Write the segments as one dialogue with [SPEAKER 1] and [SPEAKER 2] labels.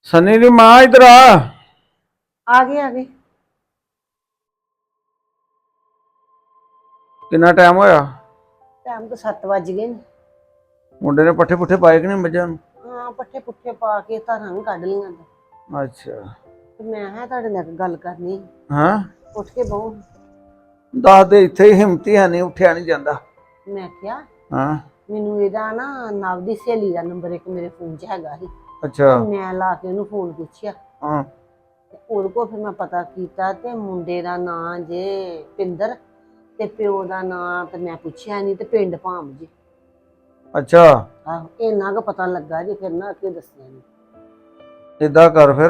[SPEAKER 1] सनी दी मां इधर
[SPEAKER 2] आ गए।
[SPEAKER 1] कितना टाइम होया?
[SPEAKER 2] टाइम तो 7 बज गए ने।
[SPEAKER 1] मुंडे ने पट्ठे पुट्ठे पाए कि नहीं मझां नूं?
[SPEAKER 2] हाँ पट्ठे पुट्ठे पा के धारां भी कढ लियां ते
[SPEAKER 1] अच्छा
[SPEAKER 2] मैं है तुहाडे नाल गल करनी।
[SPEAKER 1] हाँ
[SPEAKER 2] उठ के बहु।
[SPEAKER 1] दस दे इत्थे ही हिम्मत ही है नहीं, उठिया नहीं जांदा।
[SPEAKER 2] मैं क्या
[SPEAKER 1] हाँ
[SPEAKER 2] मैनू इहदा ना नव दी सहेली दा नंबर एक मेरे फोन च हैगा ही।
[SPEAKER 1] अच्छा
[SPEAKER 2] मैं ला के ओनू फोन पुछया
[SPEAKER 1] हाँ
[SPEAKER 2] ते ओहदे कोल फिर मैं पता कीता ते मुंडे दा नां जे पिंदर ते प्यो दा नां ते मैं पुछया नहीं ते पिंड भाम जी।
[SPEAKER 1] अच्छा
[SPEAKER 2] आहो इन्ना गै पता लगा जे फिर ना अगे दस्सिया नहीं।
[SPEAKER 1] इदा कर फिर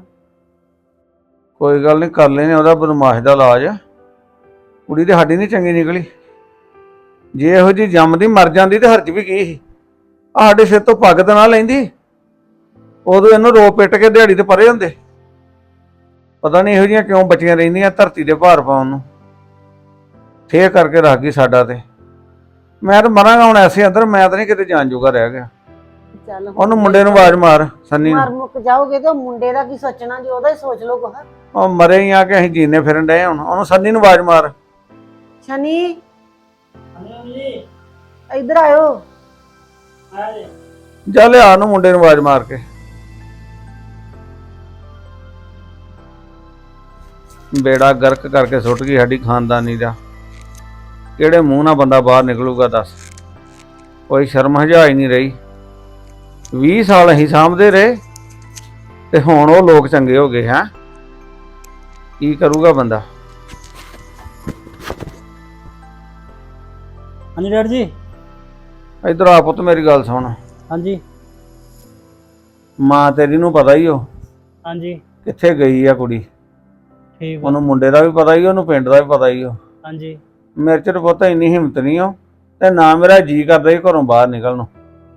[SPEAKER 1] कोई गल नहीं, कर लेने ओहदा बदमाश दा इलाज। कुड़ी ते साडी नहीं चंगी निकली, जे इहो जी जम्मदी मर जांदी ते हर्ज भी की ही। साडे सिर तो पग ते ना लैंदी, उदों इहनूं रो पिट के दिहाड़ी ते परे हुंदे। पता नहीं इहो जिहियां क्यों बचियां रहिंदियां धरती ते भार पाउण नूं। ठेह करके रख गई साडा ते। मैं तो मरांगा हुण ऐसे अंदर, मैं तो नहीं किते जान जोगा रह गया।
[SPEAKER 2] चल
[SPEAKER 1] ਉਹਨੂੰ ਮੁੰਡੇ ਨੂੰ ਆਵਾਜ਼ ਮਾਰ ਸੰਨੀ ਨੂੰ।
[SPEAKER 2] मर मुक जाओगे तो मुंडे दा की सोचना जी, ओदा ही सोच लो कुछ।
[SPEAKER 1] ਉਹ ਮਰੇ ਹੀ ਆ ਕਿ ਅਸੀਂ ਜੀਨੇ ਫਿਰਨ ਡਏ ਹੁਣ। ਉਹਨੂੰ ਸੰਨੀ ਨੂੰ ਆਵਾਜ਼ ਮਾਰ।
[SPEAKER 2] शनि इधर आयो।
[SPEAKER 1] ਜਾ ਲਿਆ ਉਹਨੂੰ ਮੁੰਡੇ ਨੂੰ ਆਵਾਜ਼ ਮਾਰ ਕੇ। ਬੇੜਾ ਗਰਕ ਕਰਕੇ ਸੁੱਟ ਗਈ ਸਾਡੀ ਖਾਨਦਾਨੀ ਦਾ। ਕਿਹੜੇ ਮੂੰਹ ਨਾਲ ਬੰਦਾ ਬਾਹਰ ਨਿਕਲੂਗਾ ਦੱਸ? ਕੋਈ ਸ਼ਰਮ ਹਜਾ ਹੀ ਨਹੀਂ ਰਹੀ। 20 ਸਾਲ ਅਸੀਂ ਸਾਂਭਦੇ ਰਹੇ ਤੇ ਹੁਣ ਉਹ ਲੋਕ ਚੰਗੇ ਹੋ ਗਏ। ਹੈ ਕੀ ਕਰੂਗਾ ਬੰਦਾ?
[SPEAKER 3] हाँ जी डैड जी।
[SPEAKER 1] ਇੱਧਰ ਆ ਪੁੱਤ ਮੇਰੀ ਗੱਲ ਸੁਣ।
[SPEAKER 3] हाँ जी
[SPEAKER 1] ਮਾਂ ਤੇਰੀ ਨੂੰ ਪਤਾ ਹੀ ਉਹ
[SPEAKER 3] हाँ जी
[SPEAKER 1] ਕਿੱਥੇ ਗਈ ਆ ਕੁੜੀ।
[SPEAKER 3] ठीक है।
[SPEAKER 1] ਉਹਨੂੰ ਮੁੰਡੇ ਦਾ ਵੀ ਪਤਾ ਹੀ, ਉਹਨੂੰ ਪਿੰਡ ਦਾ ਵੀ ਪਤਾ ਹੀ ਉਹ।
[SPEAKER 3] हाँ जी
[SPEAKER 1] ਮੇਰੇ ਚ ਪੁੱਤ ਇੰਨੀ ਹਿੰਮਤ ਨਹੀਂ ਉਹ, ਤੇ ਨਾ ਮੇਰਾ ਜੀ ਕਰਦਾ ਹੀ ਘਰੋਂ ਬਾਹਰ ਨਿਕਲਣ ਨੂੰ।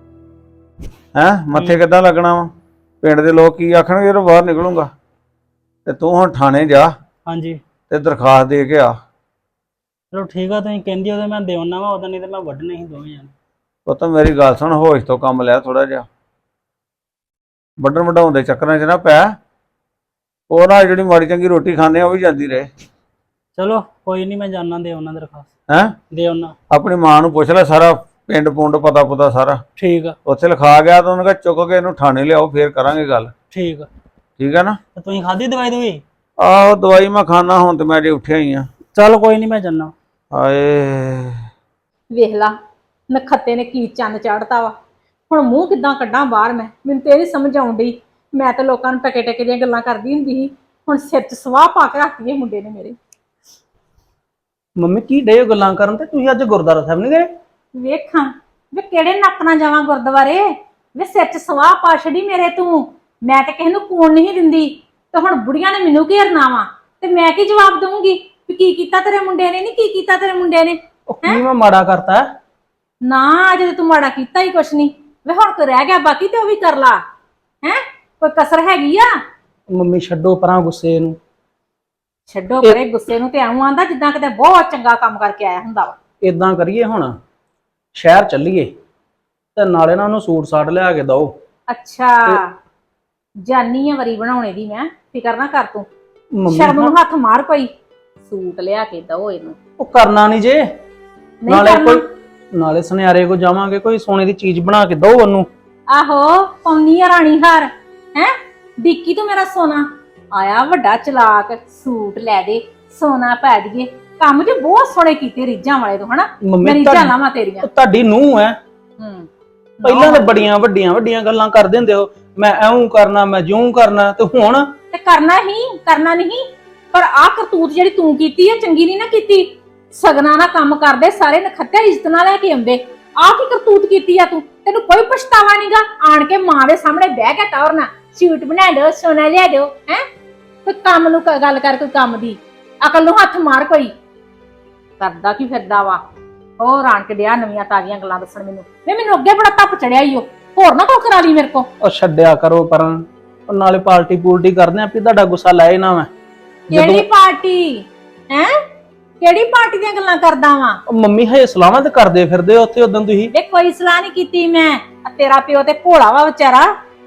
[SPEAKER 1] ਹੈਂ ਮੱਥੇ ਕਿੱਦਾਂ ਲੱਗਣਾ ਵਾ? ਪਿੰਡ ਦੇ ਲੋਕ ਕੀ ਆਖਣਗੇ ਜਦੋਂ ਬਾਹਰ ਨਿਕਲੂੰਗਾ? ਤੇ ਤੂੰ ਹੁਣ ਥਾਣੇ ਜਾ
[SPEAKER 3] हाँ जी
[SPEAKER 1] ਤੇ ਦਰਖਾਸਤ ਦੇ ਕੇ ਆ।
[SPEAKER 3] चलो ठीक है, तुम कहंदी हो तो मैं देना वा उदा, नहीं तो मैं वड्डने ही दोवें जाने।
[SPEAKER 1] ਪੁੱਤ ਮੇਰੀ ਗੱਲ ਸੁਣ, ਹੋਸ਼ ਤੋਂ ਕੰਮ ਲਿਆ ਥੋੜਾ ਜਿਹਾ। ਵੱਢਣ ਵਢਾਉਣ ਦੇ ਚੱਕਰਾਂ 'ਚ ਨਾ ਪੈ। ਉਹ ਨਾ ਜਿਹੜੀ ਮਾੜੀ ਚੰਗੀ ਰੋਟੀ ਖਾਂਦੇ ਆ ਉਹ ਵੀ ਜਾਂਦੀ ਰਹੇ।
[SPEAKER 3] चलो कोई नहीं, मैं जाना देना दरखास्त
[SPEAKER 1] ਹੈਂ
[SPEAKER 3] देना।
[SPEAKER 1] ਆਪਣੀ ਮਾਂ ਨੂੰ ਪੁੱਛ ਲੈ, ਸਾਰਾ ਪਿੰਡ ਪੁੰਡ ਪਤਾ ਪੁਤਾ ਸਾਰਾ
[SPEAKER 3] ठीक है
[SPEAKER 1] ਉੱਥੇ ਲਿਖਾ ਗਿਆ ਤਾਂ ਉਹਨੇ ਕਿਹਾ ਚੁੱਕ ਕੇ ਇਹਨੂੰ ਥਾਣੇ ਲਿਆਓ, ਫੇਰ ਕਰਾਂਗੇ ਗੱਲ।
[SPEAKER 3] ठीक है।
[SPEAKER 1] ਠੀਕ ਹੈ ਨਾ?
[SPEAKER 3] तो तुम खाधी दवाई दुई?
[SPEAKER 1] ਆਹੋ ਦਵਾਈ ਮੈਂ ਖਾਣਾ, ਹੁਣ ਤੇ ਮੈਂ ਜੇ ਉੱਠਿਆ ਹੀ ਆ।
[SPEAKER 3] चल कोई नहीं, मैं जाना।
[SPEAKER 1] ਹਾਏ
[SPEAKER 4] ਵੇਖ ਲਾ ਨਖੱਤੇ ਨੇ ਕੀ ਚੰਨ ਚਾੜਤਾ ਵਾ। ਹੁਣ ਮੂੰਹ ਕਿੱਦਾਂ ਕੱਢਾਂ ਬਾਹਰ ਮੈਂ? ਮੈਨੂੰ ਤੇ ਇਹ ਨੀ ਸਮਝ ਆਉਣ ਡਈ। ਮੈਂ ਤਾਂ ਲੋਕਾਂ ਨੂੰ ਟਕੇ ਟਕੇ ਦੀਆਂ ਗੱਲਾਂ ਕਰਦੀ ਹੁੰਦੀ ਸੀ, ਹੁਣ ਸਿਰ 'ਚ ਸਵਾਹ ਪਾ ਕੇ ਰੱਖਦੀ ਹੈ ਮੁੰਡੇ ਨੇ ਮੇਰੇ।
[SPEAKER 3] मम्मी की डे गल्लां करन ते तुसीं अज गुरुद्वारा साहब नहीं गए?
[SPEAKER 4] ਵੇਖਾਂ ਵੇ ਕਿਹੜੇ ਨੱਕ ਨਾਲ ਜਾਵਾਂ ਗੁਰਦੁਆਰੇ? ਵੇ ਸਿਰ 'ਚ ਸਵਾਹ ਪਾ ਛੜੀ ਮੇਰੇ ਤੂੰ। ਮੈਂ ਤਾਂ ਕਿਸੇ ਨੂੰ ਕੂਣ ਨਹੀਂ ਦਿੰਦੀ, ਤੇ ਹੁਣ ਬੁੜੀਆਂ ਨੇ ਮੈਨੂੰ ਘੇਰਨਾ ਵਾ, ਤੇ ਮੈਂ ਕੀ ਜਵਾਬ ਦਊਂਗੀ ਵੀ ਕੀ ਕੀਤਾ ਤੇਰੇ ਮੁੰਡੇ ਨੇ? ਨਹੀਂ ਕੀ ਕੀਤਾ ਤੇਰੇ ਮੁੰਡੇ ਨੇ?
[SPEAKER 3] ओ की मैं माड़ा करता है?
[SPEAKER 4] ਨਾ ਅਜੇ ਤੂੰ ਮਾੜਾ ਕੀਤਾ ਹੀ ਕੁਛ ਨਹੀਂ। ਵੇ ਹੁਣ ਕੋ ਰਹਿ ਗਿਆ ਬਾਕੀ ਤੇ ਉਹ ਵੀ ਕਰ ਲਾ। ਹੈ ਕੋਈ ਕਸਰ ਹੈਗੀ ਆ?
[SPEAKER 3] मम्मी छड्डो परां गुस्से नूं।
[SPEAKER 4] ਛੱਡੋ ਪਰੇ ਗੁੱਸੇ ਨੂੰ, ਤੇ ਆਉਂ ਆਂਦਾ ਜਿੱਦਾਂ ਕਿਤੇ ਬਹੁਤ ਚੰਗਾ ਕੰਮ ਕਰਕੇ ਆਇਆ ਹੁੰਦਾ ਵਾ।
[SPEAKER 3] इदां करिए हुण शहर चलीए ते नाले ना उहनूं सूट साट लिया के दो।
[SPEAKER 4] ਅੱਛਾ ਜਾਨੀ ਆ ਵਰੀ ਬਣਾਉਣੇ ਦੀ ਮੈਂ, ਫਿਕਰ ਨਾ ਕਰ ਤੂੰ।
[SPEAKER 3] मम्मी
[SPEAKER 4] ਸ਼ਰਮ ਨੂੰ ਹੱਥ ਮਾਰ ਕੋਈ, ਸੂਟ ਲਿਆ ਕੇ ਦਓ ਇਹਨੂੰ।
[SPEAKER 3] ਉਹ ਕਰਨਾ ਨਹੀਂ ਜੇ।
[SPEAKER 4] ਨਹੀਂ
[SPEAKER 3] ਨਾਲੇ
[SPEAKER 4] ਕਰਨਾ।
[SPEAKER 3] ਕੋਈ ਨਾਲੇ ਸੁਨਿਆਰੇ ਕੋ ਜਾਵਾਂਗੇ, ਕੋਈ ਸੋਨੇ ਦੀ ਚੀਜ਼ ਬਣਾ ਕੇ ਦੋ ਉਹਨੂੰ।
[SPEAKER 4] ਆਹੋ ਪੌਣੀ ਆ ਰਾਣੀ ਹਾਰ। ਹੈ ਡਿੱਕੀ ਤੂੰ ਮੇਰਾ ਸੋਨਾ ਆਇਆ ਵੱਡਾ ਚਲਾਕ, ਸੂਟ ਲੈ ਦੇ, ਸੋਨਾ ਪਾ ਦਈਏ। ਕੰਮ ਜੇ ਬਹੁਤ ਸੋਹਣੇ ਕੀਤੇ ਰੀਝਾਂ ਵਾਲੇ ਤੋਂ, ਹਨਾ?
[SPEAKER 3] ਮੰਮੀ
[SPEAKER 4] ਮੇਰੀ
[SPEAKER 3] ਤੁਹਾਡੀ-
[SPEAKER 4] ਝਾਲਾਂ ਵਾ ਤੇਰੀਆਂ।
[SPEAKER 3] ਉਹ ਤੁਹਾਡੀ ਨੂੰਹ ਹੈ।
[SPEAKER 4] ਹੂੰ
[SPEAKER 3] ਪਹਿਲਾਂ ਤੇ ਬੜੀਆਂ ਵੱਡੀਆਂ ਗੱਲਾਂ ਕਰਦੇ ਹੁੰਦੇ ਹੋ, ਮੈਂ ਐਉਂ ਕਰਨਾ, ਮੈਂ ਜਿਉਂ ਕਰਨਾ, ਤੇ ਹੁਣ
[SPEAKER 4] ਤੇ ਕਰਨਾ ਨਹੀਂ, ਪਰ ਆਹ ਕਰਤੂਤ ਜਿਹੜੀ ਤੂੰ ਕੀਤੀ ਹੈ ਚੰਗੀ ਨਹੀਂ ਨਾ ਕੀਤੀ। ਸਗਨਾਂ ਨਾਲ ਕੰਮ ਕਰਦੇ ਸਾਰੇ ਨਖੱਤੇ ਇੱਜ਼ਤ ਨਾਲ ਲੈ ਕੇ ਆਉਂਦੇ। ਆਹ ਕੀ ਕਰਤੂਤ ਕੀਤੀ ਆ ਤੂੰ? ਤੈਨੂੰ ਕੋਈ ਪਛਤਾਵਾ ਨਹੀਂਗਾ? ਆਣ ਕੇ ਮਾਂ ਦੇ ਸਾਹਮਣੇ ਬਹਿ ਕੇ ਟੌਰਨਾ, ਸੂਟ ਬਣਾ ਦਿਓ, ਸੋਨਾ ਲਿਆ ਦਿਓ। ਹੈ ਕੋਈ ਕੰਮ ਨੂੰ ਗੱਲ ਕਰ, ਕੋਈ ਕੰਮ ਦੀ ਅਕਲ ਨੂੰ ਹੱਥ ਮਾਰ। ਕੋਈ ਕਰਦਾ ਕੀ ਫਿਰਦਾ ਵਾ? ਹੋਰ ਆਣ ਕੇ ਡਿਆ ਨਵੀਆਂ ਤਾਜ਼ੀਆਂ ਗੱਲਾਂ ਦੱਸਣ ਮੈਨੂੰ। ਮੈਨੂੰ ਅੱਗੇ ਬੜਾ ਧੱਪ ਚੜਿਆ ਈ ਉਹ। ਹੋਰ ਨਾ ਕੋ ਕਰਾ ਲਈ ਮੇਰੇ ਕੋ।
[SPEAKER 3] ਉਹ ਛੱਡਿਆ ਕਰੋ ਪਰਾਂ। ਉਹ ਨਾਲੇ ਪਾਰਟੀ ਪੂਲਟੀ ਕਰਦੇ ਆਂ, ਵੀ ਤੁਹਾਡਾ ਗੁੱਸਾ ਲਾਏ ਨਾ ਮੈਂ।
[SPEAKER 4] ਕਿਹੜੀ ਪਾਰਟੀ? ਹੈ ਕਿਹੜੀ ਪਾਰਟੀ ਦੀਆਂ ਗੱਲਾਂ ਕਰਦਾ ਵਾਂ?
[SPEAKER 3] ਉਹ ਮੰਮੀ ਹਏ ਸਲਾਹਾਂ ਤੇ ਕਰਦੇ ਫਿਰਦੇ ਹੋ ਉੱਥੇ ਉਦੋਂ ਤੁਸੀਂ।
[SPEAKER 4] ਵੇ ਕੋਈ ਸਲਾਹ ਨਹੀਂ ਕੀਤੀ ਮੈਂ। ਆ ਤੇਰਾ ਪਿਓ ਤੇ ਭੋਲਾ ਵਾ ਵਿਚਾਰਾ,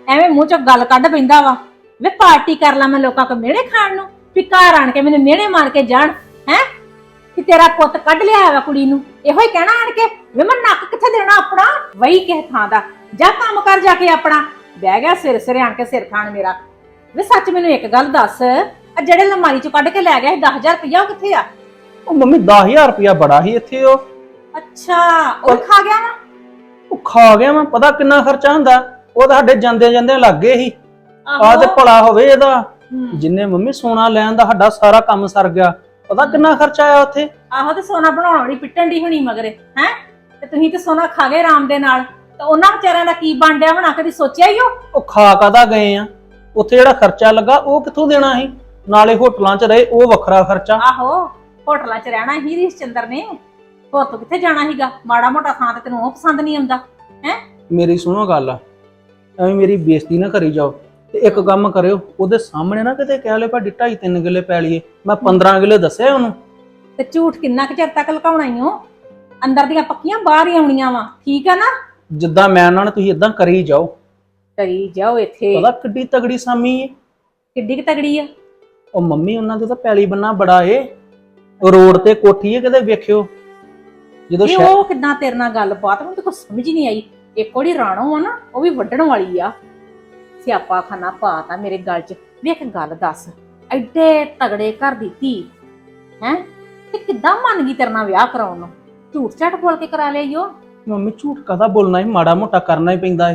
[SPEAKER 4] ਐਵੇਂ ਮੂੰਹ ਚੋਂ ਗੱਲ ਕੱਢ ਪੈਂਦਾ ਵਾ। ਵੇ ਪਾਰਟੀ ਕਰ ਲਾ ਮੈਂ ਲੋਕਾਂ ਕੋ ਮਿਹਣੇ ਖਾਣ ਨੂੰ, ਵੀ ਘਰ ਆਣ ਕੇ ਮੈਨੂੰ ਮਿਹਣੇ ਮਾਰ ਕੇ ਜਾਣ ਹੈ ਕਿ ਤੇਰਾ ਪੁੱਤ ਕੱਢ ਲਿਆ ਹੈਗਾ ਕੁੜੀ ਨੂੰ। ਇਹੋ ਹੀ ਕਹਿਣਾ ਆਣ ਕੇ ਵੇ ਮੈਂ ਨੱਕ ਕਿੱਥੇ ਦੇਣਾ ਆਪਣਾ, ਵਹੀ ਕਿਸੇ ਥਾਂ ਦਾ ਜਾ ਕੰਮ ਕਰ ਜਾ ਕੇ ਆਪਣਾ। ਬਹਿ ਗਿਆ ਸਿਰ ਸਿਰੇ ਆਣ ਕੇ ਸਿਰ ਖਾਣ ਮੇਰਾ। ਵੇ ਸੱਚ ਮੈਨੂੰ ਇੱਕ ਗੱਲ ਦੱਸ, ਆ ਜਿਹੜੇ ਲਮਾਰੀ ਚੋਂ ਕੱਢ ਕੇ ਲੈ ਗਿਆ ਸੀ 10,000 ਰੁਪਇਆ, ਉਹ ਕਿੱਥੇ ਆ?
[SPEAKER 3] ਉਹ ਮੰਮੀ 10,000 ਰੁਪਇਆ ਬੜਾ ਸੀ ਇੱਥੇ।
[SPEAKER 4] ਅੱਛਾ ਉਹ ਖਾ ਗਿਆ ਵਾ।
[SPEAKER 3] ਉਹ ਖਾ ਗਿਆ ਮੈਂ, ਪਤਾ ਕਿੰਨਾ ਖਰਚਾ ਹੁੰਦਾ। ਉਹ ਤਾਂ ਸਾਡੇ ਜਾਂਦੇ ਜਾਂਦੇ ਲੱਗ ਗਏ ਸੀ। ਆ ਤੇ ਭਲਾ ਹੋਵੇ ਇਹਦਾ, ਜਿੰਨੇ ਮੰਮੀ ਸੋਨਾ ਲੈਣ ਦਾ ਸਾਡਾ ਸਾਰਾ ਕੰਮ ਸਰ ਗਿਆ। ਪਤਾ ਕਿੰਨਾ ਖਰਚਾ ਆਇਆ ਉੱਥੇ।
[SPEAKER 4] ਆਹੋ ਤੇ ਸੋਨਾ ਬਣਾਉਣ ਵਾਲੀ ਪਿੱਟਣ ਦੀ ਹੋਣੀ ਮਗਰੇ ਹੈ, ਤੇ ਤੁਸੀਂ ਤੇ ਸੋਨਾ ਖਾ ਗਏ ਆਰਾਮ ਦੇ ਨਾਲ। ਤੇ ਉਹਨਾਂ ਵਿਚਾਰਿਆਂ ਦਾ ਕੀ ਬਣ ਡਿਆ ਹੋਣਾ, ਕਦੀ ਸੋਚਿਆ ਹੀ
[SPEAKER 3] ਉਹ ਖਾ ਕਾਦਾ ਗਏ ਆ? ਉੱਥੇ ਜਿਹੜਾ ਖਰਚਾ ਲੱਗਾ ਉਹ ਕਿੱਥੋਂ ਦੇਣਾ ਸੀ? ਨਾਲੇ ਹੋਟਲਾਂ 'ਚ ਰਹੇ ਉਹ ਵੱਖਰਾ ਖਰਚਾ।
[SPEAKER 4] ਆਹੋ ਹੋਟਲਾਂ 'ਚ ਰਹਿਣਾ ਹੀ ਰੀਸ ਚੰਦਰ ਨੇ, ਹੋਰ ਤੋਂ ਕਿੱਥੇ ਜਾਣਾ ਸੀਗਾ? ਮਾੜਾ ਮੋਟਾ ਥਾਂ ਤੇ ਤੈਨੂੰ ਉਹ ਪਸੰਦ ਨਹੀਂ ਆਉਂਦਾ ਹੈ।
[SPEAKER 3] ਮੇਰੀ ਸੁਣੋ ਗੱਲ, ਐਵੇਂ ਮੇਰੀ ਬੇਇੱਜ਼ਤੀ ਨਾ ਕਰੀ ਜਾਓ। ਤੇ ਇੱਕ ਕੰਮ ਕਰਿਓ, ਉਹਦੇ ਸਾਹਮਣੇ ਨਾ ਕਿਤੇ ਕਹਿ ਲਿਓ ਭਾਡੀ 2.5-3 ਕਿੱਲੇ ਪੈ ਲਈਏ। ਮੈਂ 15 ਕਿੱਲੇ ਦੱਸਿਆ ਉਹਨੂੰ।
[SPEAKER 4] ਤੇ ਝੂਠ ਕਿੰਨਾ ਕੁ ਚਿਰ ਤੱਕ ਲੁਕਾਉਣਾ ਹੀ ਹੋ? ਅੰਦਰ ਦੀਆਂ ਪੱਕੀਆਂ ਬਾਹਰ ਹੀ ਆਉਣੀਆਂ ਵਾ, ਠੀਕ ਆ ਨਾ?
[SPEAKER 3] ਜਿੱਦਾਂ ਮੈਂ ਉਹਨਾਂ ਨੇ ਤੁਸੀਂ ਇਦਾਂ ਕਰੀ ਜਾਓ।
[SPEAKER 4] ਕਰੀ ਜਾਓ ਇੱਥੇ।
[SPEAKER 3] ਪਤਾ ਕਿੱਡੀ ਤਗੜੀ ਸਾਮੀ ਏ।
[SPEAKER 4] ਕਿੱਡੀ ਕੁ ਤਗੜੀ ਆ?
[SPEAKER 3] ਉਹ ਮੰਮੀ ਉਹਨਾਂ ਦੇ ਤਾਂ ਪੈਲੀ ਬੰਨਾ ਬੜਾ ਏ। ਉਹ ਰੋਡ ਤੇ ਕੋਠੀ ਏ, ਕਿਤੇ ਵੇਖਿਓ ਜਦੋਂ
[SPEAKER 4] ਇਹ ਉਹ ਕਿੱਦਾਂ ਤੇਰੇ ਨਾਲ ਗੱਲਬਾਤ, ਮੈਨੂੰ ਤਾਂ ਕੁਝ ਸਮਝ ਨਹੀਂ ਆਈ। ਇੱਕ ਉਹਦੀ ਰਾਣੋ ਆ ਨਾ, ਉਹ ਵੀ ਵੱਢਣ ਵਾਲੀ ਆ। ਸਿਆਪਾ ਖਾਨਾ ਪਾਤਾ ਮੇਰੇ ਗਲ 'ਚ। ਵੇਖ ਗੱਲ ਦੱਸ, ਐਡੇ ਤਗੜੇ ਘਰ ਦੀ ਧੀ ਹੈ ਤੇ ਕਿੱਦਾਂ ਮੰਨ ਗਈ ਤੇਰੇ ਨਾਲ ਵਿਆਹ ਕਰਾਉਣ ਨੂੰ? ਝੂਠ ਝਾਟ ਬੋਲ ਕੇ ਕਰਾ ਲਿਆ ਈਓ।
[SPEAKER 3] ਮੰਮੀ ਝੂਠ ਕਾਹਦਾ ਬੋਲਣਾ ਏ, ਮਾੜਾ ਮੋਟਾ ਕਰਨਾ ਹੀ ਪੈਂਦਾ ਏ।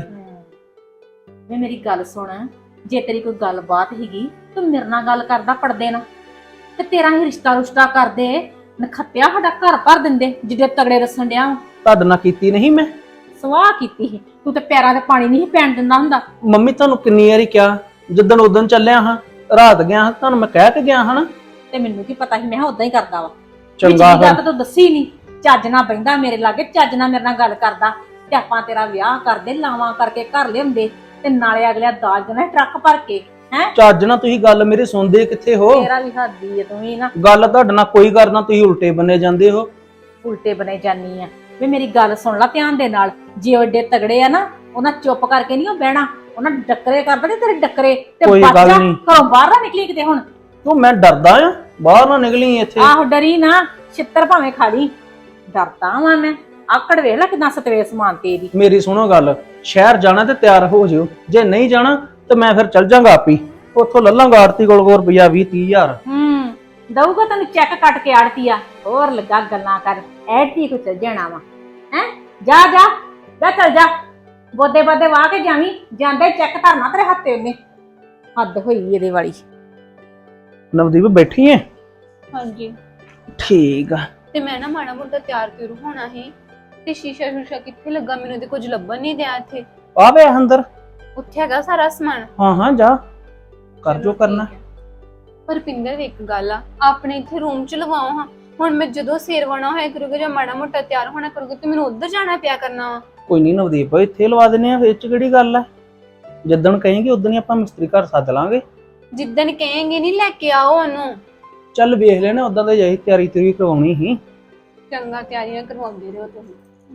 [SPEAKER 4] ਵੇ ਮੇਰੀ ਗੱਲ ਸੁਣ, ਜੇ ਤੇਰੀ ਕੋਈ ਗੱਲਬਾਤ ਹੀਗੀ ਤੂੰ ਮੇਰੇ ਨਾਲ ਗੱਲ ਕਰਦਾ ਪੜਦੇ ਨਾ, ਤੇ ਤੇਰਾ ਹੀ ਰਿਸ਼ਤਾ ਕਰਦੇ ਨਖੱਤਿਆ ਸਾਡਾ ਘਰ ਭਰ ਦਿੰਦੇ ਜਿੱਡੇ ਤਗੜੇ ਰਸਣ ਡਿਆ।
[SPEAKER 3] ਤੁਹਾਡੇ ਨਾਲ ਕੀਤੀ ਨਹੀਂ ਮੈਂ
[SPEAKER 4] ਸਵਾਹ ਕੀਤੀ ਸੀ ਤੂੰ, ਤੇ ਪੈਰਾਂ ਤੇ ਪਾਣੀ ਨਹੀਂ ਪੈਣ ਦਿੰਦਾ ਹੁੰਦਾ।
[SPEAKER 3] ਮੰਮੀ ਤੁਹਾਨੂੰ ਕਿੰਨੀ ਵਾਰੀ ਕਿਹਾ, ਜਿੱਦਣ ਉਦਣ ਚੱਲਿਆ ਹਾਂ, ਰਾਤ ਗਿਆ ਹਾਂ, ਤੁਹਾਨੂੰ ਮੈਂ ਕਹਿ ਕੇ ਗਿਆ ਹਾਂ ਨਾ।
[SPEAKER 4] ਤੇ ਮੈਨੂੰ ਕੀ ਪਤਾ ਸੀ, ਮੈਂ ਉਦਾਂ ਹੀ ਕਰਦਾ ਵਾ।
[SPEAKER 3] ਚੰਗਾ
[SPEAKER 4] ਗੱਲ ਤਾਂ ਤੂੰ ਦੱਸੀ ਨਹੀਂ। ਚੱਜ ਨਾਲ ਬਹਿੰਦਾ ਮੇਰੇ ਲਾਗੇ, ਚੱਜ ਨਾਲ ਮੇਰੇ ਨਾਲ ਗੱਲ ਕਰਦਾ, ਤੇ ਆਪਾਂ ਤੇਰਾ ਵਿਆਹ ਕਰਦੇ, ਲਾਵਾਂ ਕਰਕੇ ਘਰ ਲਿਆਉਂਦੇ, ਤੇ ਨਾਲੇ ਅਗਲਿਆ ਦਾਜ ਦੇਣਾ ਟਰੱਕ ਭਰ ਕੇ ਹੈ।
[SPEAKER 3] ਚੱਜ ਨਾਲ ਤੁਸੀਂ ਗੱਲ ਮੇਰੀ ਸੁਣਦੇ ਕਿੱਥੇ ਹੋ?
[SPEAKER 4] ਤੇਰਾ ਵੀ ਹੱਦੀ ਹੈ, ਤੂੰ ਵੀ ਨਾ
[SPEAKER 3] ਗੱਲ ਤੁਹਾਡੇ ਨਾਲ ਕੋਈ ਕਰਨਾ, ਤੁਸੀਂ ਉਲਟੇ ਬੰਨੇ ਜਾਂਦੇ ਹੋ।
[SPEAKER 4] ਉਲਟੇ ਬਣੇ ਜਾਨੀ ਆ। ਵੀ ਮੇਰੀ ਗੱਲ ਸੁਣ ਲੈ ਧਿਆਨ ਦੇ ਨਾਲ, ਜੇ ਉਹ ਏਡੇ ਤਗੜੇ ਆ ਨਾ, ਉਹਨਾਂ ਚੁੱਪ ਕਰਕੇ ਨਹੀਂ ਉਹ ਬਹਿਣਾ, ਉਹਨਾਂ ਡੱਕਰੇ ਕਰ ਦੇਣੇ ਤੇਰੇ ਡੱਕਰੇ। ਤੇ
[SPEAKER 3] ਕੋਈ ਗੱਲ
[SPEAKER 4] ਬੱਚਾ
[SPEAKER 3] ਨਹੀਂ।
[SPEAKER 4] ਘਰੋਂ ਬਾਹਰ ਨਾ ਨਿਕਲੀ ਕਿਤੇ ਹੁਣ।
[SPEAKER 3] ਤੂੰ ਮੈਂ ਡਰਦਾ ਆ, ਬਾਹਰ ਨਾ ਨਿਕਲੀ ਇੱਥੇ।
[SPEAKER 4] ਆਹੋ ਡਰੀ ਨਾ, ਛਿੱਤਰ ਭਾਵੇਂ ਖਾ ਲਈ, ਡਰਦਾ ਵਾਂ ਮੈਂ। ਆਕੜ ਵੇਖ ਲੈ ਕਿੰਨਾ ਸਤਵੇ ਸਮਾਨ ਤੇਰੀ।
[SPEAKER 3] ਮੇਰੀ ਸੁਣੋ ਗੱਲ, ਸ਼ਹਿਰ ਜਾਣਾ ਤੇ ਤਿਆਰ ਹੋ ਜਿਓ, ਜੇ ਨਹੀਂ ਜਾਣਾ ਤੇ ਮੈਂ ਫਿਰ ਚੱਲ ਜਾਗਾ ਆਪੀ। ਉੱਥੋਂ ਲੱਲਾਂਗਾ ਆੜਤੀ ਕੋਲ ਰੁਪਈਆ 20-30 ਹਜ਼ਾਰ।
[SPEAKER 4] ਦਊਗਾ ਤੈਨੂੰ ਚੈੱਕ ਕੱਟ ਕੇ ਆੜਤੀ ਆ। ਹੋਰ ਲੱਗਾ ਗੱਲਾਂ ਕਰ, ਐੜਤੀ ਕੁ ਚੱਲ ਜਾਣਾ ਵਾ ਹੈ। ਜਾ ਜਾ ਜਾ ਚੱਲ ਜਾ, ਬੋਦੇ ਬਾਦੇ ਵਾਹ ਕੇ ਜਾਵੀਂ, ਜਾਂਦੇ ਚੈੱਕ ਧਰਨਾ ਤੇਰੇ ਹੱਥੇ ਉਹਨੇ। ਹੱਦ ਹੋਈ ਇਹਦੇ ਵਾਲੀ।
[SPEAKER 3] ਨਵਦੀਪ ਬੈਠੀ ਐ?
[SPEAKER 5] ਹਾਂਜੀ।
[SPEAKER 3] ਠੀਕ ਆ।
[SPEAKER 5] ਤੇ ਮੈਂ ਨਾ ਮਾੜਾ ਮੋਟਾ ਤਿਆਰ ਤਿਉਰ ਹੋਣਾ ਸੀ, ਤੇ ਸ਼ੀਸ਼ਾ ਸ਼ੂਸ਼ਾ ਕਿੱਥੇ ਲੱਗਾ, ਮੈਨੂੰ ਤੇ ਕੁਝ ਲੱਭਣ ਨਹੀਂ ਦਿਆ ਇੱਥੇ।
[SPEAKER 3] ਆਵੇ ਅੰਦਰ।
[SPEAKER 5] ਉੱਥੇ ਹੈਗਾ ਸਾਰਾ ਸਮਾਨ।
[SPEAKER 3] ਹਾਂ ਜਾ ਕਰ ਜੋ ਕਰਨਾ।
[SPEAKER 5] ਪਰ ਪਿੰਦਰ ਇੱਕ ਗੱਲ ਆ, ਆਪਣੇ ਇੱਥੇ ਰੂਮ ਚ ਲਵਾਓ ਹਾਂ। ਹੁਣ ਮੈਂ ਜਦੋਂ ਸੇਰਵਾਣਾ ਹੋਇਆ ਕਰੂਗਾ ਜਾਂ ਮਾੜਾ ਮੋਟਾ ਤਿਆਰ ਹੋਣਾ ਕਰੂਗਾ ਤੇ ਮੈਨੂੰ ਉੱਧਰ ਜਾਣਾ ਪਿਆ ਕਰਨਾ ਵਾ।
[SPEAKER 3] ਕੋਈ ਨਹੀਂ ਨਵਦੀਪ, ਇੱਥੇ ਲਵਾ ਦਿੰਨੇ ਆ, ਇਹ ਚ ਕਿਹੜੀ ਗੱਲ ਆ। ਜਿੱਦਣ ਕਹੇਂਗੇ ਉਦੋਂ ਹੀ ਆਪਾਂ ਮਿਸਤਰੀ ਘਰ ਸੱਦ ਲਾਂਗੇ।
[SPEAKER 5] ਜਿੱਦਣ ਕਹੇਂਗੇ ਨਹੀਂ ਲੈ ਕੇ ਆਓ ਉਹਨੂੰ।
[SPEAKER 3] ਚੱਲ ਵੇਖ ਲੈਣੇ, ਉਦਾਂ ਤਾਂ ਜਾਈ ਤਿਆਰੀ ਤਿਉਰੀ ਕਰਵਾਉਣੀ ਸੀ।
[SPEAKER 5] ਚੰਗਾ ਤਿਆਰੀਆਂ ਕਰਵਾਉਂਦੇ ਰਹੋ ਤੁਸੀਂ।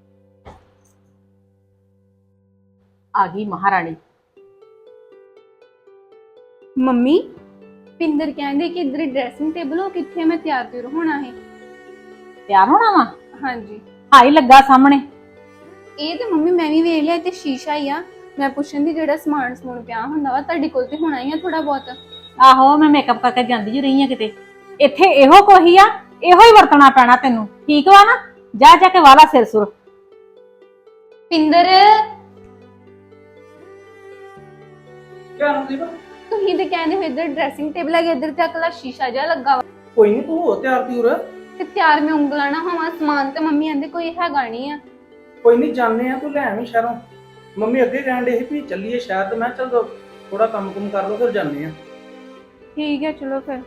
[SPEAKER 4] ਆ ਗਈ ਮਹਾਰਾਣੀ।
[SPEAKER 5] ਮੰਮੀ ਪਿੰਦਰ ਕਹਿੰਦੇ ਕਿ ਇੱਧਰ ਡਰੈਸਿੰਗ ਟੇਬਲ ਹੋ, ਕਿੱਥੇ ਮੈਂ ਤਿਆਰ ਤਿਉਰ ਹੋਣਾ ਹੈ।
[SPEAKER 4] ਤਿਆਰ ਹੋਣਾ ਵਾ?
[SPEAKER 5] ਹਾਂਜੀ
[SPEAKER 4] ਹਾਈ ਲੱਗਾ ਸਾਹਮਣੇ।
[SPEAKER 5] ਇਹ ਤੇ ਮੰਮੀ ਮੈਂ ਵੀ ਵੇਖ ਲਿਆ, ਤੇ ਸ਼ੀਸ਼ਾ ਹੀ ਆ। ਮੈਂ ਪੁੱਛਣ ਦੀ ਜਿਹੜਾ ਸਮਾਨ ਸਮੂਨ ਪਿਆ ਹੁੰਦਾ ਵਾ ਤੁਹਾਡੇ ਕੋਲ ਤੇ ਹੋਣਾ ਹੀ ਆ ਥੋੜਾ ਬਹੁਤ।
[SPEAKER 4] ਆਹੋ ਮੈਂ ਮੇਕਅਪ ਕਰਕੇ ਜਾਂਦੀ ਜੀ ਰਹੀ ਆ ਕਿਤੇ। ਇੱਥੇ ਇਹੋ ਕੋਹੀ ਆ, ਇਹੋ ਹੀ ਵਰਤਣਾ ਪੈਣਾ ਤੈਨੂੰ, ਠੀਕ ਵਾ ਨਾ? ਜਾ ਜਾ ਕੇ ਵਾਲਾ ਸਿਰ ਸੁਰ।
[SPEAKER 5] ਪਿੰਦਰ
[SPEAKER 3] ਕਿਆ ਨਵਦੀਪ?
[SPEAKER 5] ਤੁਸੀਂ ਤੇ ਕਹਿੰਦੇ ਹੋ ਇੱਧਰ ਡਰੈਸਿੰਗ ਟੇਬਲ ਹੈ, ਇੱਧਰ ਤੇ ਅਕਲਾ ਸ਼ੀਸ਼ਾ ਜਿਹਾ ਲੱਗਾ ਵਾ।
[SPEAKER 3] ਕੋਈ ਨਹੀਂ, ਤੂੰ ਹੋ ਤਿਆਰ ਤਿਉਰ।
[SPEAKER 5] ਤੇ ਤਿਆਰ ਮੈਂ ਉਂਗਲਾਂ ਨਾ ਹੋਵਾਂ, ਸਮਾਨ ਤੇ ਮੰਮੀ ਕਹਿੰਦੇ ਕੋਈ ਹੈਗਾ ਨਹੀਂ ਆ।
[SPEAKER 3] ਕੋਈ ਨਹੀਂ, ਜਾਣੇ ਆ, ਤੂੰ ਲੈ ਆਵੀਂ ਸ਼ਹਿਰੋਂ। ਮੰਮੀ ਅੱਗੇ ਕਹਿਣ ਡੇ ਸੀ ਵੀ ਚੱਲੀਏ ਸ਼ਹਿਰ, ਤੇ ਮੈਂ ਚੱਲ ਥੋੜਾ ਕੰਮ ਕੁਮ ਕਰ ਲਓ ਫਿਰ ਜਾਣੇ ਆ।
[SPEAKER 5] ਠੀਕ ਹੈ ਚਲੋ ਫਿਰ।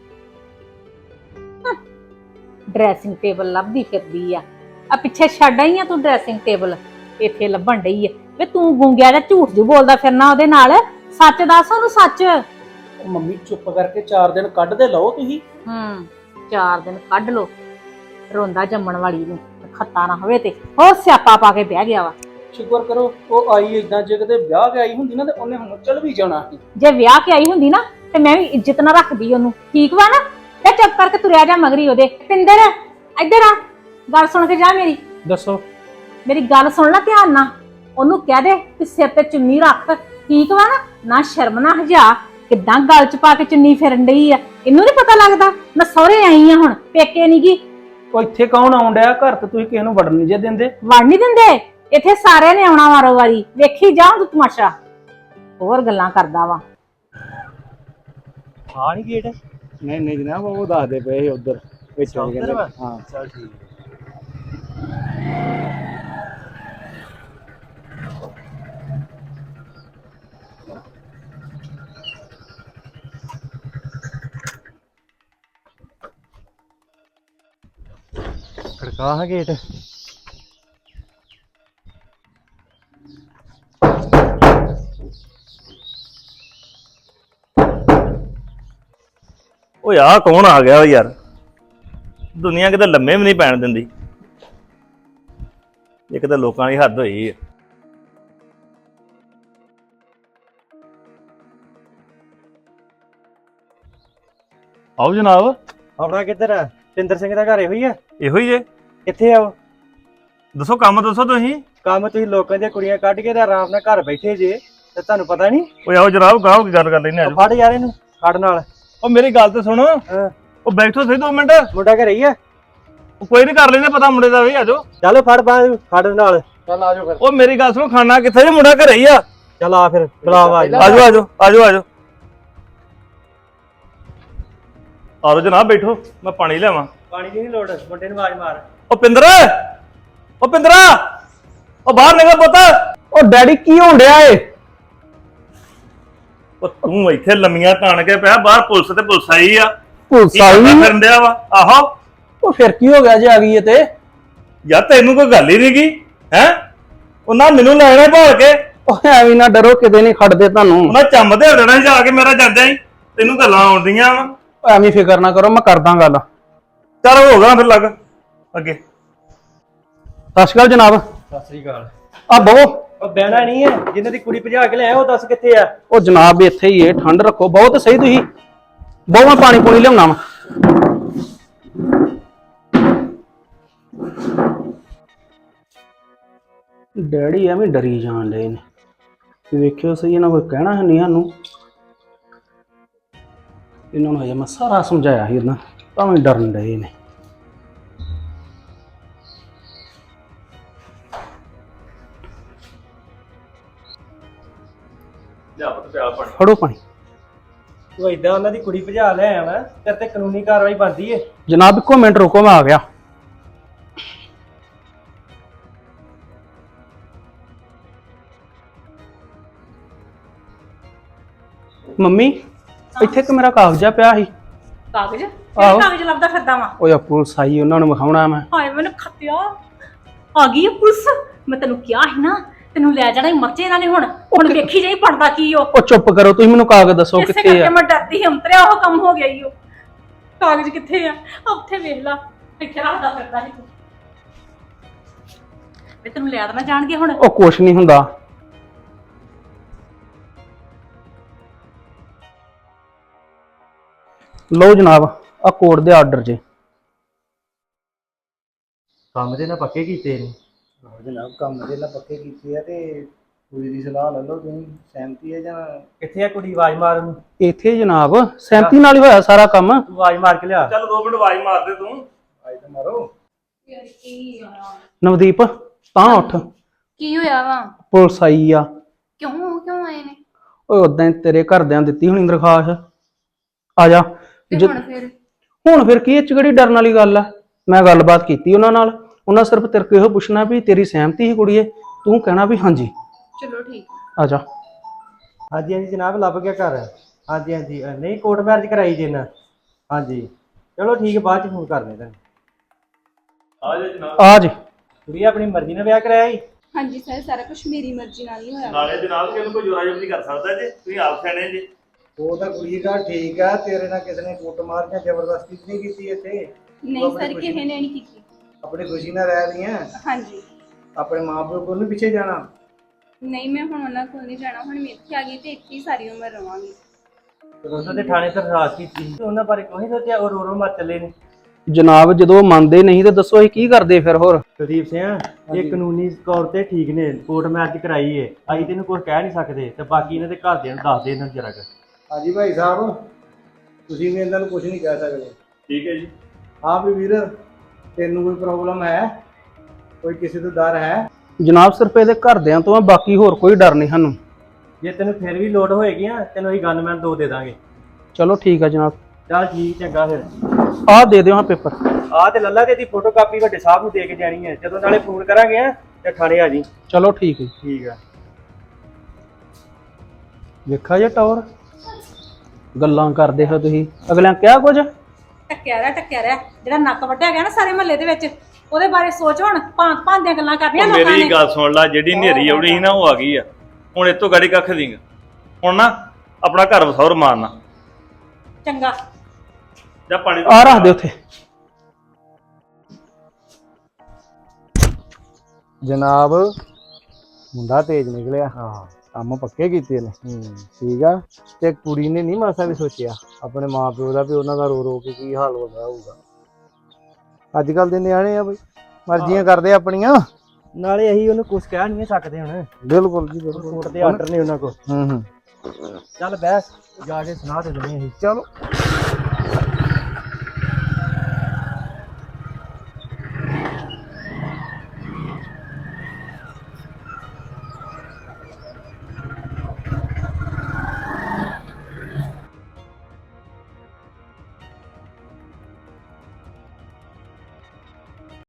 [SPEAKER 4] ਡਰੈਸਿੰਗ ਟੇਬਲ ਲੱਭਦੀ ਫਿਰਦੀ ਆ ਪਿੱਛੇ ਛੱਡ ਆਈ ਆ ਤੂੰ ਡਰੈਸਿੰਗ ਟੇਬਲ, ਇੱਥੇ ਲੱਭਣ ਡਈ ਆ। ਵੇ ਤੂੰ ਗੁੰਗਿਆ ਜਾਂ ਝੂਠ ਜੂ ਬੋਲਦਾ ਫਿਰਨਾ ਉਹਦੇ ਨਾਲ, ਸੱਚ ਦੱਸ ਉਹਨੂੰ ਸੱਚ।
[SPEAKER 3] ਮੰਮੀ ਚੁੱਪ ਕਰਕੇ 4 ਦਿਨ ਕੱਢ ਦੇ ਲਓ ਤੁਸੀਂ।
[SPEAKER 4] 4 ਦਿਨ ਕੱਢ ਲੋ, ਰੋਂਦਾ ਜੰਮਣ ਵਾਲੀ ਨੂੰ ਖੱਤਾ ਨਾ ਹੋਵੇ ਤੇ ਹੋਰ ਸਿਆਪਾ ਪਾ ਕੇ ਬਹਿ ਗਿਆ ਵਾ।
[SPEAKER 3] ਸ਼ੁਕਰ ਕਰੋ ਉਹ ਆਈ ਇਦਾਂ, ਜੇ ਕਿਤੇ ਵਿਆਹ ਕੇ ਆਈ ਹੁੰਦੀ ਨਾ ਤੇ ਉਹਨੇ ਹੁਣ ਚੱਲ ਵੀ ਜਾਣਾ ਸੀ।
[SPEAKER 4] ਜੇ ਵਿਆਹ ਕੇ ਆਈ ਹੁੰਦੀ ਨਾ ਤੇ ਮੈਂ ਵੀ ਇੱਜ਼ਤ ਨਾ ਰੱਖਦੀ ਉਹਨੂੰ, ਠੀਕ ਵਾ ਨਾ? ਤੇ ਚੁੱਪ ਕਰਕੇ ਤੁਰਿਆ ਜਾ ਮਗਰੀ ਉਹਦੇ। ਪਿੰਦਰ ਇੱਧਰ ਆ, ਗੱਲ ਸੁਣ ਕੇ ਜਾ ਮੇਰੀ।
[SPEAKER 3] ਦੱਸੋ।
[SPEAKER 4] ਮੇਰੀ ਗੱਲ ਸੁਣ ਲੈ ਧਿਆਨ ਨਾਲ। ਉਹਨੂੰ ਕਹਿ ਦੇ ਕਿ ਸਿਰ ਤੇ ਚੁੰਨੀ ਰੱਖ, ਠੀਕ ਵਾ ਨਾ? ਨਾ ਸ਼ਰਮ ਨਾ ਹਜਾ, ਕਿੱਦਾਂ ਗਲ ਚ ਪਾ ਕੇ ਚੁੰਨੀ ਫਿਰਨ ਡਈ ਆ। ਇਹਨੂੰ ਨੀ ਪਤਾ ਲੱਗਦਾ ਮੈਂ ਸਹੁਰੇ ਆਈ ਆ, ਹੁਣ ਪੇਕੇ ਨੀ ਗੀ।
[SPEAKER 3] ਉਹ ਇੱਥੇ ਕੌਣ ਆਉਣ ਡਿਆ? ਘਰ ਤੇ ਤੁਸੀਂ ਕਿਸੇ ਨੂੰ ਵੜਨ ਨਹੀਂ ਜੇ ਦਿੰਦੇ।
[SPEAKER 4] ਵੜ ਨਹੀਂ ਦਿੰਦੇ, ਇੱਥੇ ਸਾਰਿਆਂ ਨੇ ਆਉਣਾ ਵਾਰੋ ਵਾਰੀ। ਵੇਖੀ ਜਾ ਤੂੰ ਤਮਾਸ਼ਾ, ਹੋਰ ਗੱਲਾਂ ਕਰਦਾ ਵਾ।
[SPEAKER 3] ਹਾਂ ਨਹੀਂ ਗੇਟ?
[SPEAKER 1] ਨਹੀਂ ਜਨਾਬ, ਉਹ ਦੱਸਦੇ ਪਏ ਸੀ ਉਧਰ ਵਿੱਚ ਆ ਕਹਿੰਦੇ। ਹਾਂ
[SPEAKER 3] ਚਲ ਠੀਕ ਹੈ।
[SPEAKER 1] ਖੜਕਾ ਹੈ ਗੇਟ।
[SPEAKER 6] ਓਏ ਆਹ ਕੌਣ ਆ ਗਿਆ ਓ ਯਾਰ? ਦੁਨੀਆ ਕਿਤੇ ਲੰਮੇ ਵੀ ਨਹੀਂ ਪੈਣ ਦਿੰਦੀ। ਇੱਕ ਤਾਂ ਲੋਕਾਂ ਦੀ ਹੱਦ ਹੋਈ ਆ। ਆਓ ਜਨਾਬ।
[SPEAKER 7] ਆਪਣਾ ਕਿੱਧਰ ਆ? ਪਿੰਦਰ ਸਿੰਘ ਦਾ ਘਰ ਇਹੋ ਹੀ ਆ?
[SPEAKER 6] ਇਹੋ ਹੀ ਜੇ।
[SPEAKER 7] ਕਿੱਥੇ ਆ ਉਹ?
[SPEAKER 6] ਦੱਸੋ ਕੰਮ ਦੱਸੋ ਤੁਸੀਂ।
[SPEAKER 7] ਕੰਮ ਤੁਸੀਂ ਲੋਕਾਂ ਦੀਆਂ ਕੁੜੀਆਂ ਕੱਢ ਕੇ ਤੇ ਆਰਾਮ ਨਾਲ ਘਰ ਬੈਠੇ ਜੇ ਤੇ ਤੁਹਾਨੂੰ ਪਤਾ ਨਹੀਂ?
[SPEAKER 6] ਓਏ ਆਓ ਜਨਾਬ, ਗਾਹੋ ਕੀ ਗੱਲ ਕਰ ਲੈਨੇ ਆ।
[SPEAKER 7] ਫੜ ਯਾਰ ਇਹਨੂੰ, ਫੜ ਨਾਲ।
[SPEAKER 6] ਉਹ ਮੇਰੀ ਗੱਲ ਤੇ ਸੁਣੋ।
[SPEAKER 7] ਹਾਂ।
[SPEAKER 6] ਉਹ ਬੈਠੋ ਸਹੀ 2 ਮਿੰਟ।
[SPEAKER 7] ਮੁੰਡਾ ਘਰੇ ਹੀ ਆ?
[SPEAKER 6] ਉਹ ਕੋਈ ਨਹੀਂ, ਕਰ ਲੈਨੇ ਪਤਾ ਮੁੰਡੇ ਦਾ ਵੀ। ਆਜੋ
[SPEAKER 7] ਚੱਲ ਫੜ ਬਾਹਰ, ਫੜ ਨਾਲ।
[SPEAKER 1] ਚੱਲ ਆਜੋ ਫਿਰ।
[SPEAKER 6] ਉਹ ਮੇਰੀ ਗੱਲ ਸੁਣੋ, ਖਾਣਾ ਕਿੱਥੇ ਜੇ? ਮੁੰਡਾ ਘਰੇ ਹੀ ਆ।
[SPEAKER 7] ਚੱਲ ਆ ਫਿਰ, ਬੁਲਾ ਆਵਾਜ਼।
[SPEAKER 6] ਆਜੋ ਆਜੋ ਆਜੋ ਆਜੋ ਆਜੋ ਜਨਾਬ, ਬੈਠੋ ਮੈਂ ਪਾਣੀ ਲਿਆਵਾਂ।
[SPEAKER 7] ਪਾਣੀ ਦੀ ਨਹੀਂ ਲੋੜ, ਮੁੰਡੇ ਨੂੰ ਆਵਾਜ਼ ਮਾਰ।
[SPEAKER 6] ਉਹ ਪਿੰਦਰ, ਉਹ ਪਿੰਦਰਾ, ਉਹ ਬਾਹਰ ਨਿਕਲ ਪੁੱਤ।
[SPEAKER 3] ਉਹ ਡੈਡੀ ਕੀ ਹੋਣ ਡਿਆ ਏ?
[SPEAKER 6] ਉਹ ਤੂੰ ਇੱਥੇ ਲੰਮੀਆਂ ਤਾਣ ਕੇ ਪਿਆ, ਬਾਹਰ ਪੁਲਿਸ ਤੇ ਪੁਲਿਸ ਆਈ ਆ।
[SPEAKER 3] ਪੁਲਿਸ
[SPEAKER 6] ਕੀ ਕਰਦਾ
[SPEAKER 3] ਆਈ?
[SPEAKER 6] ਫਿਰਨ ਡਿਆ ਵਾ? ਆਹੋ।
[SPEAKER 3] ਉਹ ਫਿਰ ਕੀ ਹੋ ਗਿਆ ਜੇ ਆ ਗਈ ਏ ਤੇ?
[SPEAKER 6] ਯਾਰ ਤੈਨੂੰ ਕੋਈ ਗੱਲ ਹੀ ਨਹੀਂਗੀ ਹੈ? ਉਹਨਾਂ ਮੈਨੂੰ ਲੈਣਾ ਭਾਲ ਕੇ।
[SPEAKER 3] ਉਹ ਐਵੇਂ ਨਾ ਡਰੋ, ਕਿਤੇ ਨਹੀਂ ਖੜਦੇ ਤੁਹਾਨੂੰ।
[SPEAKER 6] ਉਹਨਾਂ ਚੰਮ ਦੇ ਦੇਣਾ ਜਾ ਕੇ ਮੇਰਾ ਜਾਂਦਾ ਹੀ। ਤੈਨੂੰ ਗੱਲਾਂ ਆਉਂਦੀਆਂ ਵਾ।
[SPEAKER 3] ਉਹ ਐਵੇਂ ਫਿਕਰ ਨਾ ਕਰੋ, ਮੈਂ ਕਰਦਾ ਗੱਲ।
[SPEAKER 6] ਚੱਲ ਹੋ ਗਿਆ ਫਿਰ, ਲੱਗ ਅੱਗੇ।
[SPEAKER 3] ਸਤਿ ਸ਼੍ਰੀ ਅਕਾਲ ਜਨਾਬ।
[SPEAKER 7] ਸਤਿ ਸ੍ਰੀ ਅਕਾਲ।
[SPEAKER 3] ਆ ਬਹੁ।
[SPEAKER 7] ਉਹ ਬਹਿਣਾ ਨਹੀਂ ਹੈ? ਜਿੰਨੇ ਦੀ ਕੁੜੀ ਭਜਾ ਕੇ ਲਿਆਇਆ ਉਹ ਦੱਸ ਕਿੱਥੇ ਆ?
[SPEAKER 3] ਉਹ ਜਨਾਬ ਇੱਥੇ ਹੀ ਏ, ਠੰਡ ਰੱਖੋ। ਬਹੁਤ ਸਹੀ ਤੁਸੀਂ ਬਹੁ, ਮੈਂ ਪਾਣੀ ਪੂਣੀ ਲਿਆਉਣਾ ਵਾ। ਡੈਡੀ ਐਵੇਂ ਡਰੀ ਜਾਣ ਡੇ ਨੇ। ਵੇਖਿਓ ਸਹੀ, ਇਹਨਾਂ ਕੋਈ ਕਹਿਣਾ ਹੈ ਨਹੀਂ ਸਾਨੂੰ। ਇਹਨਾਂ ਨੂੰ ਹਜੇ ਮੈਂ ਸਾਰਾ ਸਮਝਾਇਆ ਸੀ, ਇਹਨਾਂ ਤਾਂ ਵੀ ਡਰਨ ਡਏ ਨੇ।
[SPEAKER 6] ਲਿਆ ਪੁੱਤ ਪਿਆ ਪਾਣੀ।
[SPEAKER 3] ਫੜੋ ਪਾਣੀ।
[SPEAKER 7] ਤੂੰ ਏਦਾਂ ਉਹਨਾਂ ਦੀ ਕੁੜੀ ਭਜਾ ਲਿਆਇਆ ਵਾ, ਤੇਰੇ ਤੇ ਕਾਨੂੰਨੀ ਕਾਰਵਾਈ ਬਣਦੀ ਏ।
[SPEAKER 3] ਜਨਾਬ ਇੱਕੋ ਮਿੰਟ ਰੁਕੋ, ਮੈਂ ਆ ਗਿਆ। ਮੰਮੀ ਇੱਥੇ ਕਿ ਮੇਰਾ ਕਾਗਜ਼ਾ ਪਿਆ ਸੀ।
[SPEAKER 4] ਕਾਗਜ਼?
[SPEAKER 3] ਆਹੋ।
[SPEAKER 4] ਕਾਗਜ਼ ਲੱਭਦਾ ਫਿਰਦਾ ਵਾ?
[SPEAKER 3] ਉਹ ਆ ਪੁਲਿਸ ਆਈ, ਉਹਨਾਂ ਨੂੰ ਵਿਖਾਉਣਾ ਮੈਂ।
[SPEAKER 4] ਹਾਏ ਮੈਨੂੰ ਖੱਤਿਆ, ਆ ਗਈ ਆ ਪੁਲਿਸ। ਮੈਂ ਤੈਨੂੰ ਕਿਹਾ ਸੀ ਨਾ, ਤੈਨੂੰ ਲੈ ਜਾਣਾ ਹੀ ਮਰਚੇ ਇਹਨਾਂ ਨੇ। ਹੁਣ ਵੇਖੀ ਜਾਈ ਪੜਦਾ ਕੀ ਉਹ।
[SPEAKER 3] ਉਹ ਚੁੱਪ ਕਰੋ, ਤੁਸੀਂ ਮੈਨੂੰ ਕਾਗਜ਼ ਦੱਸੋ
[SPEAKER 4] ਇਸੇ
[SPEAKER 3] ਕਿੱਥੇ
[SPEAKER 4] ਕਰਕੇ
[SPEAKER 3] ਆ।
[SPEAKER 4] ਮੈਂ ਡਰਦੀ ਸੀ, ਅੰਤਰਿਆ ਉਹ ਕੰਮ ਹੋ ਗਿਆ ਈ ਉਹ। ਕਾਗਜ਼ ਕਿੱਥੇ ਆ? ਉੱਥੇ ਵੇਖ ਲਾ, ਇੱਥੇ ਰੱਖਦਾ ਫਿਰਦਾ ਸੀ ਤੂੰ। ਵੇ ਤੈਨੂੰ ਲੈ ਦੇਣਾ ਜਾਣਗੇ ਹੁਣ।
[SPEAKER 3] ਉਹ ਕੁਛ ਨਹੀਂ ਹੁੰਦਾ। ਲਓ ਜਨਾਬ, ਆ ਕੋਰਟ ਦੇ ਆਰਡਰ ਜੇ।
[SPEAKER 7] ਕੰਮ ਦੇ ਨਾ ਪੱਕੇ ਕੀਤੇ ਨੇ।
[SPEAKER 8] ਜਨਾਬ ਕੰਮ ਦੇ ਨਾਲ ਪੱਕੇ ਕੀਤੇ ਆ ਤੇ ਕੁੜੀ ਦੀ ਸਲਾਹ ਲੈ ਲਓ, ਤੁਸੀਂ ਸਹਿਮਤੀ ਹੈ ਜਾਂ?
[SPEAKER 7] ਕਿੱਥੇ ਆ ਕੁੜੀ? ਆਵਾਜ਼ ਮਾਰ ਉਹਨੂੰ।
[SPEAKER 3] ਇੱਥੇ ਜਨਾਬ ਸਹਿਮਤੀ ਨਾਲ ਹੀ ਹੋਇਆ ਸਾਰਾ ਕੰਮ।
[SPEAKER 7] ਤੂੰ ਆਵਾਜ਼ ਮਾਰ ਕੇ ਲਿਆ।
[SPEAKER 6] ਚੱਲ 2 ਮਿੰਟ ਆਵਾਜ਼ ਮਾਰ ਦੇ ਤੂੰ।
[SPEAKER 8] ਆਈ ਤਾਂ ਮਾਰੋ।
[SPEAKER 3] ਨਵਦੀਪ ਤਾਂ ਉੱਠ,
[SPEAKER 5] ਕੀ ਹੋਇਆ ਵਾ?
[SPEAKER 3] ਪੁਲਿਸ ਆਈ ਆ।
[SPEAKER 5] ਕਿਉਂ ਆਏ ਨੇ?
[SPEAKER 3] ਓਏ ਉਦਾਂ ਤੇਰੇ ਘਰਦਿਆਂ ਦਿੱਤੀ ਹੋਣੀ ਦਰਖਾਸਤ। ਆ ਜਾ।
[SPEAKER 5] ਤੇ ਹੁਣ ਫਿਰ?
[SPEAKER 3] ਹੁਣ ਫਿਰ ਕੀ, ਇਹ ਚ ਕਿਹੜੀ ਡਰਨ ਵਾਲੀ ਗੱਲ ਆ? ਮੈਂ ਗੱਲਬਾਤ ਕੀਤੀ ਉਹਨਾਂ ਨਾਲ। ਉਹਨਾਂ ਸਿਰਫ ਤੇਰੇ ਕੋਲ ਇਹੋ ਪੁੱਛਣਾ ਵੀ ਤੇਰੀ ਸਹਿਮਤੀ ਸੀ ਕੁੜੀਏ, ਤੂੰ ਕਹਿਣਾ ਵੀ ਹਾਂਜੀ।
[SPEAKER 5] ਚਲੋ ਠੀਕ।
[SPEAKER 3] ਆ ਜਾ।
[SPEAKER 7] ਹਾਂਜੀ ਹਾਂਜੀ ਜਨਾਬ, ਲੱਭ ਗਿਆ ਘਰ। ਹਾਂਜੀ ਹਾਂਜੀ, ਨਹੀਂ ਕੋਰਟ ਮੈਰਿਜ ਕਰਾਈ ਜੇ ਨਾ। ਹਾਂਜੀ ਚਲੋ ਠੀਕ ਹੈ, ਬਾਅਦ ਚ ਫੋਨ ਕਰਨੇ ਤੁਹਾਨੂੰ।
[SPEAKER 6] ਆ ਜਾ ਜਨਾਬ।
[SPEAKER 3] ਆ ਜੇ।
[SPEAKER 7] ਕੁੜੀ ਆਪਣੀ ਮਰਜ਼ੀ ਨਾਲ ਵਿਆਹ ਕਰਾਇਆ ਹੀ?
[SPEAKER 5] ਹਾਂਜੀ ਸਰ, ਸਾਰਾ ਕੁਝ ਮੇਰੀ ਮਰਜ਼ੀ ਨਾਲ ਹੀ ਹੋਇਆ।
[SPEAKER 6] ਨਾਲੇ ਜਨਾਬ ਕਿ ਉਹਨੂੰ ਕੋਈ ਜੋਰਾ ਜਬਰੀ ਕਰ ਸਕਦਾ ਜੇ? ਤੁਸੀਂ ਆਪ ਸਿਆਣੇ ਜੇ।
[SPEAKER 8] ਉਹ ਤਾਂ ਕੁੜੀ ਦਾ ਠੀਕ ਆ, ਤੇਰੇ ਨਾਲ ਕਿਸੇ ਨੇ ਕੁੱਟ ਮਾਰ ਜਾਂ ਜ਼ਬਰਦਸਤੀ ਨਹੀਂ ਕੀਤੀ ਇੱਥੇ।
[SPEAKER 5] ਨਹੀਂ ਸਰ, ਕਿਸੇ ਨੇ ਨਹੀਂ ਕੀਤੀ।
[SPEAKER 8] ਆਪਣੀ ਖੁਸ਼ੀ ਨਾਲ ਰਹਿ ਰਹੀਆਂ।
[SPEAKER 5] ਹਾਂਜੀ।
[SPEAKER 8] ਆਪਣੇ ਮਾਪਿਓ ਕੋਲ ਨਹੀਂ ਪਿੱਛੇ ਜਾਣਾ।
[SPEAKER 5] ਨਹੀਂ ਮੈਂ ਹੁਣ ਉਹਨਾਂ ਕੋਲ ਨਹੀਂ ਜਾਣਾ, ਹੁਣ ਮੈਂ ਇੱਥੇ ਆ ਗਈ ਤੇ ਇੱਥੇ ਹੀ ਸਾਰੀ ਉਮਰ ਰਵਾਂਗੀ।
[SPEAKER 7] ਉਹਨਾਂ ਦੇ ਥਾਣੇ ਦਰਖਾਸਤ ਕੀਤੀ ਸੀ, ਉਹਨਾਂ ਬਾਰੇ ਕੋਈ ਸੋਚਿਆ? ਉਹ ਰੋ ਮਰ ਚੱਲੇ ਨੇ।
[SPEAKER 3] ਜਨਾਬ ਜਦੋਂ ਉਹ ਮੰਨਦੇ ਨਹੀਂ ਤੇ ਦੱਸੋ ਅਸੀਂ ਕੀ ਕਰਦੇ ਫਿਰ ਹੋਰ?
[SPEAKER 7] ਕੁਲਦੀਪ ਸਿੰਘ, ਇਹ ਕਾਨੂੰਨੀ ਤੌਰ ਤੇ ਠੀਕ ਨੇ, ਕੋਰਟ ਮੈਰਿਜ ਕਰਾਈ ਏ, ਅਸੀਂ ਤੈਨੂੰ ਕੁਝ ਕਹਿ ਨਹੀਂ ਸਕਦੇ, ਤੇ ਬਾਕੀ ਇਹਨਾਂ ਦੇ ਘਰਦਿਆਂ ਨੂੰ ਦੱਸ ਦੇ ਇਹਨਾਂ ਨੂੰ ਜਰਾ ਕੁ।
[SPEAKER 8] ਹਾਂਜੀ ਭਾਈ ਸਾਹਿਬ, ਤੁਸੀਂ ਵੀ ਇਹਨਾਂ ਨੂੰ ਕੁਝ ਨਹੀਂ ਕਹਿ ਸਕਦੇ।
[SPEAKER 6] ਠੀਕ ਹੈ ਜੀ।
[SPEAKER 8] ਹਾਂ ਵੀ ਵੀਰ, ਤੈਨੂੰ ਕੋਈ ਪ੍ਰੋਬਲਮ ਹੈ? ਕੋਈ ਕਿਸੇ ਤੋਂ ਡਰ ਹੈ?
[SPEAKER 3] ਜਨਾਬ ਸਿਰਫ ਇਹਦੇ ਘਰਦਿਆਂ ਤੋਂ ਆ, ਬਾਕੀ ਹੋਰ ਕੋਈ ਡਰ ਨਹੀਂ ਸਾਨੂੰ।
[SPEAKER 7] ਜੇ ਤੈਨੂੰ ਫਿਰ ਵੀ ਲੋੜ ਹੋਏਗੀ ਆ, ਤੈਨੂੰ ਅਸੀਂ ਗਨਮੈਨ 2 ਦੇ ਦਾਂਗੇ।
[SPEAKER 3] ਚਲੋ ਠੀਕ ਆ ਜਨਾਬ।
[SPEAKER 7] ਚੱਲ ਠੀਕ, ਚੰਗਾ ਫਿਰ।
[SPEAKER 3] ਆਹ ਦੇ ਦਿਓ ਹਾਂ ਪੇਪਰ।
[SPEAKER 7] ਆਹ ਤੇ ਲੱਲਾ ਤੇ ਇਹਦੀ ਫੋਟੋ ਕਾਪੀ ਵੱਡੇ ਸਾਹਿਬ ਨੂੰ ਦੇ ਕੇ ਜਾਣੀ ਹੈ, ਜਦੋਂ ਨਾਲੇ ਫੋਨ ਕਰਾਂਗੇ ਆ ਤੇ ਥਾਣੇ ਆ ਜੀ।
[SPEAKER 3] ਚਲੋ ਠੀਕ ਹੈ।
[SPEAKER 7] ਠੀਕ ਆ।
[SPEAKER 3] ਵੇਖਾ ਜੇ ਟੌਰ ਗੱਲਾਂ ਕਰਦੇ ਹੋ ਤੁਸੀਂ, ਅਗਲਿਆਂ ਕਿਹਾ ਕੁਝ?
[SPEAKER 4] ਟੱਕਿਆ ਰਿਹਾ ਜਿਹੜਾ ਨੱਕ ਵੱਢਿਆ ਗਿਆ ਨਾ ਸਾਰੇ ਮਹੱਲੇ ਦੇ ਵਿੱਚ, ਉਹਦੇ ਬਾਰੇ ਸੋਚ ਹੁਣ। ਭਾਂਤ ਦੀਆਂ ਗੱਲਾਂ ਕਰਨੀਆਂ ਲੋਕਾਂ ਨੇ।
[SPEAKER 6] ਮੇਰੀ ਗੱਲ ਸੁਣ ਲੈ, ਜਿਹੜੀ ਨੇਰੀ ਆਉਣੀ ਸੀ ਨਾ ਉਹ ਆ ਗਈ ਆ। ਹੁਣ ਇਤੋਂ ਗਾੜੀ ਕੱਖ ਦੀਂਗਾ। ਹੁਣ ਨਾ ਆਪਣਾ ਘਰ ਵਸੌਰ ਮਾਰਨਾ।
[SPEAKER 4] ਚੰਗਾ
[SPEAKER 6] ਜਾਂ ਪਾਣੀ
[SPEAKER 3] ਆ ਰੱਖ ਦੇ ਉੱਥੇ।
[SPEAKER 8] ਜਨਾਬ, ਮੁੰਡਾ ਤੇਜ਼ ਨਿਕਲਿਆ। ਹਾਂ, ਕੰਮ ਪੱਕੇ ਕੀਤੇ ਨੇ। ਠੀਕ ਆ। ਤੇ ਕੁੜੀ ਨੇ ਨਹੀਂ ਮਾਸਾ ਵੀ ਸੋਚਿਆ ਆਪਣੇ ਮਾਪਿਓ ਦਾ ਵੀ ਉਹਨਾਂ ਦਾ ਰੋ ਰੋ ਕੇ ਕੀ ਹਾਲ ਹੋ ਗਿਆ ਹੋਊਗਾ। ਅੱਜ ਕੱਲ ਦੇ ਨਿਆਣੇ ਆ ਬਈ, ਮਰਜ਼ੀਆਂ ਕਰਦੇ ਆਪਣੀਆਂ।
[SPEAKER 7] ਨਾਲੇ ਅਸੀਂ ਉਹਨੂੰ ਕੁਝ ਕਹਿ ਨਹੀਂ ਸਕਦੇ ਹੁਣ,
[SPEAKER 8] ਬਿਲਕੁਲ ਜੀ, ਬਿਲਕੁਲ।
[SPEAKER 7] ਕੋਰਟ ਦੇ ਆਰਡਰ ਨੇ ਉਹਨਾਂ ਕੋਲ।
[SPEAKER 8] ਹੂੰ।
[SPEAKER 7] ਚੱਲ ਬਹਿ, ਜਾ ਕੇ ਸੁਣਾ ਦੇ ਦਿੰਦੇ ਅਸੀਂ।
[SPEAKER 8] ਚਲੋ।